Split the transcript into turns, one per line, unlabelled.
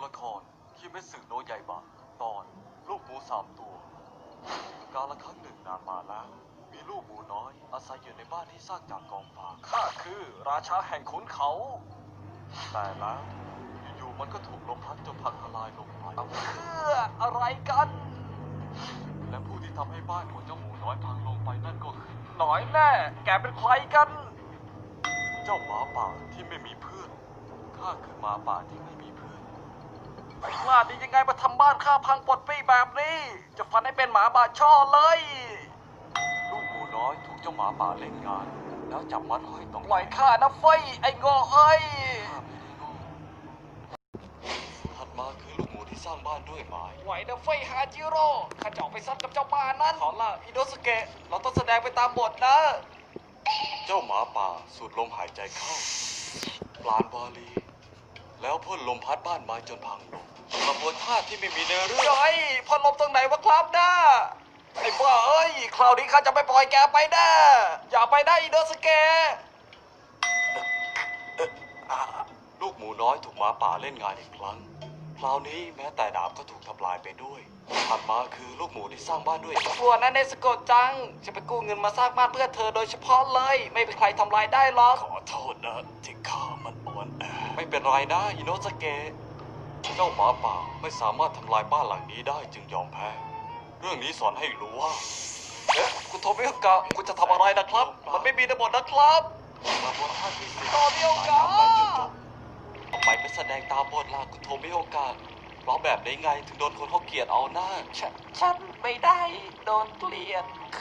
ละครคิเมสึโนะใหญ่บะตอนลูกหมู3 ตัวกาลครั้งหนึ่งนานมาแล้วมีลูกหมูน้อยอาศัยอยู่ในบ้านที่สร้างจากกองฟางข้าคือราชาแห่งขุนเขาแต่แล้วอยู่ๆมันก็ถูกลมพัดจนพังทลายลงไปเพื่ออะไรกันและผู้ที่ทำให้บ้านของเจ้าหมูน้อยพังลงไปนั่นก็คือหน่อยแน่แกเป็นใครกันเจ้าหมาป่าที่ไม่มีเพื่อนข้าคือหมาป่าที่ไม่มีเพื่อนไอ้กล้าดียังไงมาทำบ้านข้าพังปดปี้แบบนี้ จะฟันให้เป็นหมาบาช่อเลย ลูกหมูน้อยถูกเจ้าหมาป่าเล่นงาน แล้วจับมัดห้อยต้องปล่อยข้านะเฟยไอ้งอเอ้ยข้าไม่ได้งอถัดมาคือลูกหมูที่สร้างบ้านด้วยไม้ไหวนะเฟยฮาจิโร่ข้าจะออกไปซัดกับเจ้าบ้านนั้นขอละอิโนสเกะเราต้องแสดงไปตามบทนะ เจ้าหมาป่าสูดลมหายใจเข้าปราณวาลี แล้วพ่นลมพัดบ้านไม้จนพังลงกระบวนท่าที่ไม่มีเนื้อเรื่องไอ้พ่นลมตรงไหนวะครับนะไอ้บ้าเอ้ยคราวนี้ข้าจะไม่ปล่อยแกไปแน่อย่าไปได้อิโนสเกะลูกหมูน้อยถูกหมาป่าเล่นงานอีกครั้งคราวนี้แม้แต่ดาบก็ถูกทำลายไปด้วยถัดมาคือลูกหมูที่สร้างบ้านด้วยกลัวนะเนสโกะจังจะไปกู้เงินมาสร้างบ้านเพื่อเธอโดยเฉพาะเลยไม่เป็นใครทำลายได้หรอกขอโทษนะที่ข้ามันอ่อนแอไม่เป็นไรนะอิโนสเกะเจ้าหมาป่าไม่สามารถทำลายบ้านหลังนี้ได้จึงยอมแพ้เรื่องนี้สอนให้รู้ว่าคุณโทมิโอกะคุณจะทำอะไรนะครับมันไม่มีในบทนะครับกระบวนท่าที่สี่โทมิโอกะทำไมไม่แสดงตามบทล่ะคุณโทมิโอกะร้องแบบนี้ไงถึงโดนคนเขาเกลียดเอาหน้าฉันไม่ได้โดนเกลียด